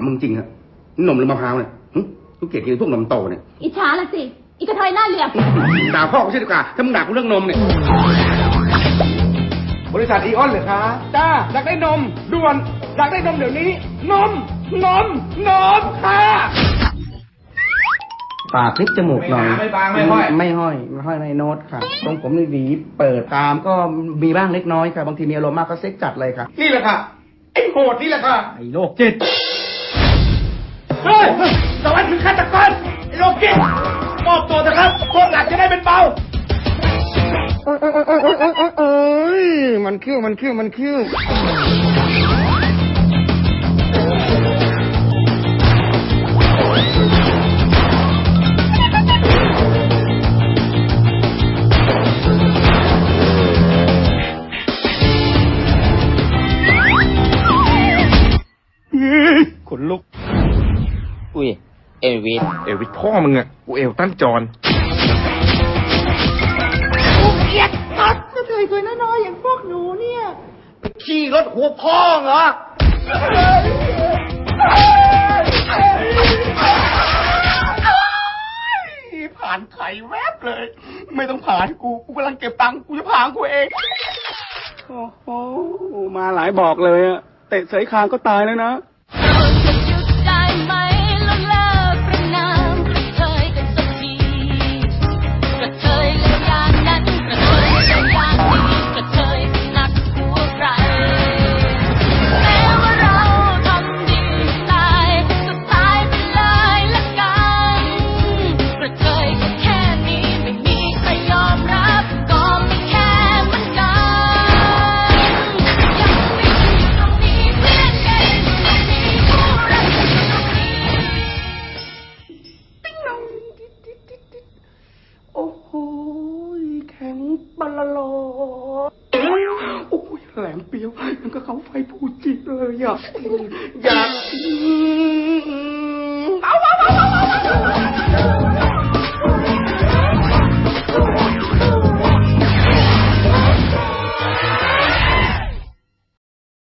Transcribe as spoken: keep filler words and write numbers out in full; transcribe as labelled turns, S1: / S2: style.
S1: มึงจริงอะนมหรือมะพร้าวเนี่ยทุกเกียรติกินพวกนมโตเนี่ย
S2: อิจฉาละสิอีกระเทยหน้าเหลี่ยม
S1: ด่าพ่อกูใช่ดีกว่าถ้ามึงด่ากูเรื่องนมเนี่ยบริษัทอีออนเหรอคะจ้าอยากได้นมด่วนอยากได้นมเดี๋ยวนี้นมนมนมค่ะปากคลิปจมูกหน่อยไม่บางไม่ห้อยไม่ห้อยไม่ห้อยในโน้ตค่ะตรงผมในหวีเปิดตามก็มีบ้างเล็กน้อยค่ะบางทีมีอารมณ์มากก็เซ็กจัดเลยค่ะนี่แหละค่ะไอ้โหดนี่แหละค่ะไอ้โรคจิตเฮ้ยสวัสดีฆาตกรไอ้โรคจิตมอบตัวเถอะครับโทษหนักจะได้เป็นเบาเอ้ยมันคิ้วมันคิ้วมันคิ้วขนลุก
S3: อุ้ยเอวิส
S1: เอวิสพ่อมึงอะกูเอวตั้นจอน
S2: กูเกลียดตัดกระเทยตัวน้อยๆอย่างพวกหนูเนี่ย
S1: ไปขี่รถหัวพ่อเหรอผ่านไข่แวบเลยไม่ต้องผ่านกูกูกำลังเก็บตังค์กูจะผ่านกูเองโอ้โหมาหลายบอกเลยอะเตะเสยคางก็ตายแล้วนะแหลมเปียวยังก็เขาไฟผูจิตเลยอ่ะอยากเอาเอาเอาเอา